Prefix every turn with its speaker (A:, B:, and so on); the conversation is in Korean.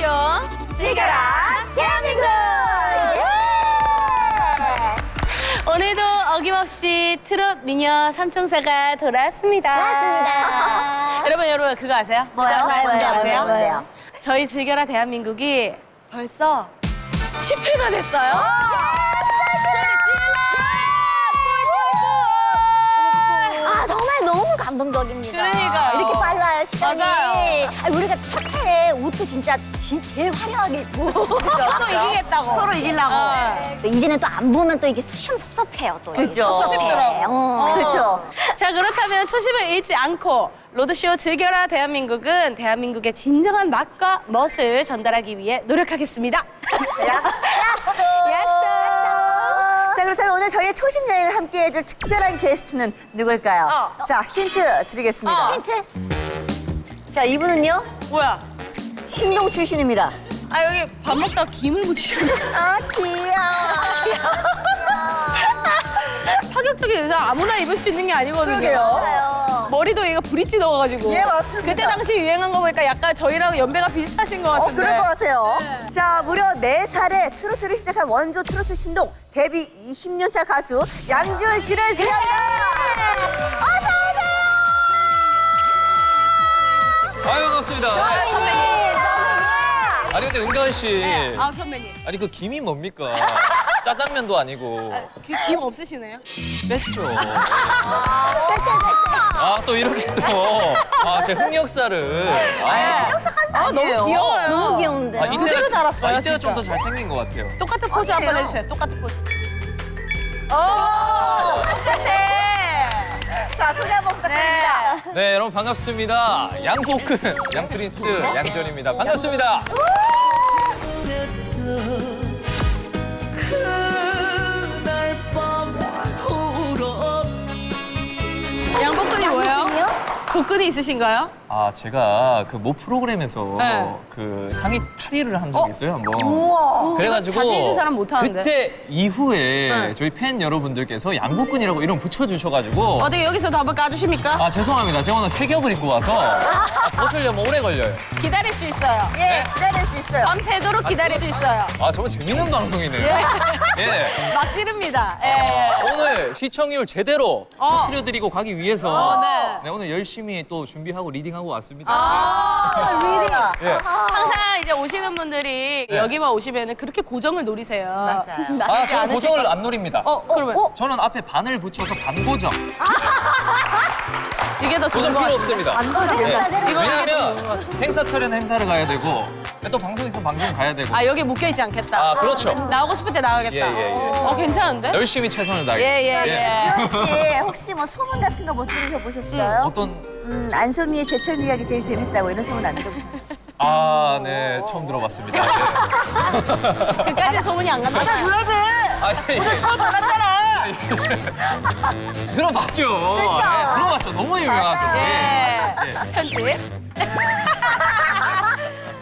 A: 라디오
B: 즐겨라 대한민국!
A: 오늘도 어김없이 트롯 미녀 삼총사가 돌아왔습니다.
B: 맞습니다.
A: 여러분 그거 아세요?
B: 뭐요?
A: 그거 아세요?
B: 뭔데요?
A: 아세요?
B: 뭔데요?
A: 저희 즐겨라 대한민국이 벌써 10회가 됐어요.
B: 아 정말 너무 감동적입니다.
A: 그러니까요.
B: 이렇게 빨라요 시간이.
A: 맞아요.
B: 아니, 우리가 첫 해에 옷도 진짜 제일 화려하게 입고
A: 서로 이기겠다고.
C: 서로 이기려고.
B: 또 이제는 또 안 보면 또 이게 시험섭섭해요 또.
C: 그죠.
A: 섭섭하더라고.
C: 그렇죠.
A: 자, 그렇다면 초심을 잃지 않고 로드쇼 즐겨라 대한민국은 대한민국의 진정한 맛과 멋을 전달하기 위해 노력하겠습니다.
C: 약속. 자, 그렇다면 오늘 저희의 초심 여행을 함께 해줄 특별한 게스트는 누굴까요? 자, 힌트 드리겠습니다.
B: 힌트.
C: 자, 이분은요,
A: 뭐야?
C: 신동 출신입니다.
A: 아, 여기 밥 먹다가 김을 묻히셨네.
C: 아, 귀여워.
A: 파격적인 의상 아무나 입을 수 있는 게 아니거든요.
C: 그러게요.
A: 머리도 얘가 브릿지 넣어가지고.
C: 예, 맞습니다.
A: 그때 당시 유행한 거 보니까 약간 저희랑 연배가 비슷하신 것 같은데.
C: 그럴 것 같아요.
A: 네.
C: 자, 무려 4살에 트로트를 시작한 원조 트로트 신동 데뷔 20년차 가수 양지원 씨를 소개합니다. 어서 오세요.
D: 아유, 반갑습니다.
A: 아, 선배님.
D: 아니 근데 은가은 씨,
A: 네. 아, 선배님.
D: 아니 그 김이 뭡니까? 짜장면도 아니고
A: 김 없으시네요?
D: 뺐죠. 아, 또 이렇게 또, 제 흑역사를.
C: 역사까지는 아니에요.
A: 너무 귀여워요.
B: 너무 귀여운데요.
D: 이때가,
A: 그대로 자랐어요,
D: 이때가
A: 진짜.
D: 좀 더 잘생긴 것 같아요.
A: 똑같은 포즈 한번
C: 아니에요.
A: 해주세요. 똑같은 포즈. 오, 똑같아.
C: 자, 소개 한번 부탁드립니다.
A: 네.
D: 네, 여러분 반갑습니다. 양포큰, 양프린스, 양전입니다. 반갑습니다.
A: 양복근이 뭐예요? 복근이 있으신가요?
D: 아, 제가 그 모 프로그램에서
A: 네.
D: 그 상의 탈의를 한 적이 있어요, 한번.
C: 우와.
D: 그래가지고
A: 자신 있는 사람 못 하는데.
D: 그때 이후에
A: 네.
D: 저희 팬 여러분들께서 양복근이라고 이름 붙여주셔가지고
A: 어떻게 여기서도 한번 까주십니까?
D: 아, 죄송합니다. 제가 오늘 새 겹을 입고 와서 벗으려면 오래 걸려요.
A: 기다릴 수 있어요.
C: 예, 기다릴 수 있어요.
A: 밤새도록 기다릴 수 있어요.
D: 아, 정말 재밌는 방송이네요. 예.
A: 막 지릅니다. 예.
D: 오늘 시청률 제대로 터뜨려드리고 가기 위해서
A: 네.
D: 오늘 열심히 또 준비하고 리딩하고 왔습니다.
C: 리딩아.
D: 예.
A: 항상 이제 오시는 분들이
D: 네.
A: 여기만 오시면 그렇게 고정을 노리세요.
C: 맞아요.
D: 아, 저는
A: 않으실
D: 고정을
A: 것
D: 안 노립니다.
A: 그러면
D: 저는 앞에 바늘 붙여서 반고정.
A: 이게 더 좋은
D: 고정
A: 것
D: 필요
A: 같아요.
D: 없습니다.
C: 안도는 괜찮지.
A: 이거
D: 왜냐하면 행사철에는 행사를 가야 되고 또 방송 있으면 방송 가야 되고.
A: 아, 여기 묶여있지 않겠다.
D: 아, 그렇죠.
A: 나오고 싶을 때 나가겠다.
D: 예.
A: 괜찮은데?
D: 열심히 최선을 다하겠습니다.
A: 예.
C: 지원 씨, 혹시 뭐 소문 같은 거 못 들으셔보셨어요?
D: 어떤
C: 안소미의 제철 미학이 제일 재밌다고 이런 소문 안 들어보셨어요?
D: 아, 네, 처음 들어봤습니다. 네.
A: 그까지 소문이 안 간다.
D: 오늘 처음 알았잖아. 들어봤죠. 네, 들어봤죠. 너무 유명하죠.
A: 예.
D: 예.
A: 편집.